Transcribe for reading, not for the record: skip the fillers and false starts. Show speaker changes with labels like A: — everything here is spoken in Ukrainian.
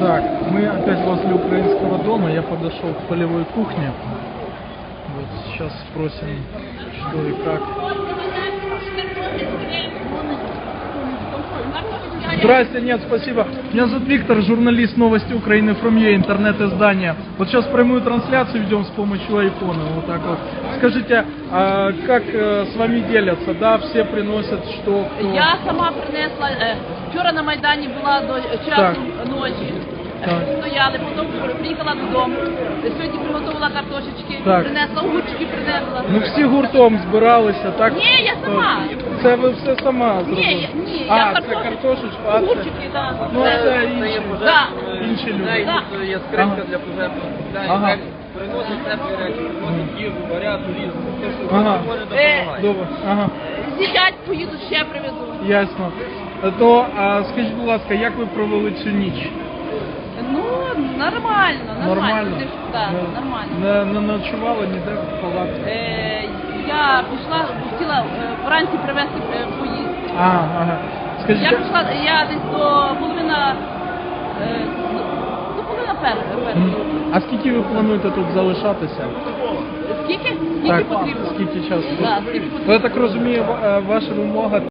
A: Так, мы опять возле украинского дома. Я подошел к полевой кухне. Вот сейчас спросим, что и как. Здрасте, нет, спасибо. Меня зовут Виктор, журналист Новости Украины From.ua, интернет-издание. Вот сейчас прямую трансляцию ведем с помощью айфона, вот так вот. Скажите, а как с вами делятся, да, все приносят что, кто?
B: Я сама принесла, вчора на Майдані була до часу ночі,
A: Так.
B: стояли, потім приїхала додому, сьогодні приготувала картошечки,
A: Так.
B: принесла огурчики, принесла.
A: Ну всі гуртом збиралися, так?
B: Ні, я сама.
A: Це ви все сама зробили?
B: Ні,
A: а,
B: я
A: це картошечку, а це...
B: огурчики, так.
A: Ну це інші,
B: Да.
A: інші люди.
B: Да.
C: Тут є скринька
A: Ага.
C: для пожежного
A: Ага.
C: ага. Приносять теплі речі, приносять їжу, варяту, різну. Те, що
A: Ага.
C: може допомагає.
A: Добре, ага,
B: З'їдять, поїду, ще привезу.
A: ясно. То, скажіть, будь ласка, як ви провели цю ніч?
B: Ну, нормально. Ти ж, да,
A: Не-
B: нормально.
A: Не ночували ніде в палаці?
B: Я пішла, хотіла вранці привезти поїзд.
A: Ага. Скажіть,
B: Я пішла, я десь до половина першої.
A: а скільки ви плануєте тут залишатися?
B: Скільки?
A: Так,
B: Скільки потрібно?
A: скільки часу?
B: Да, скільки
A: Ну,
B: потрібно.
A: я так розумію, ваша вимога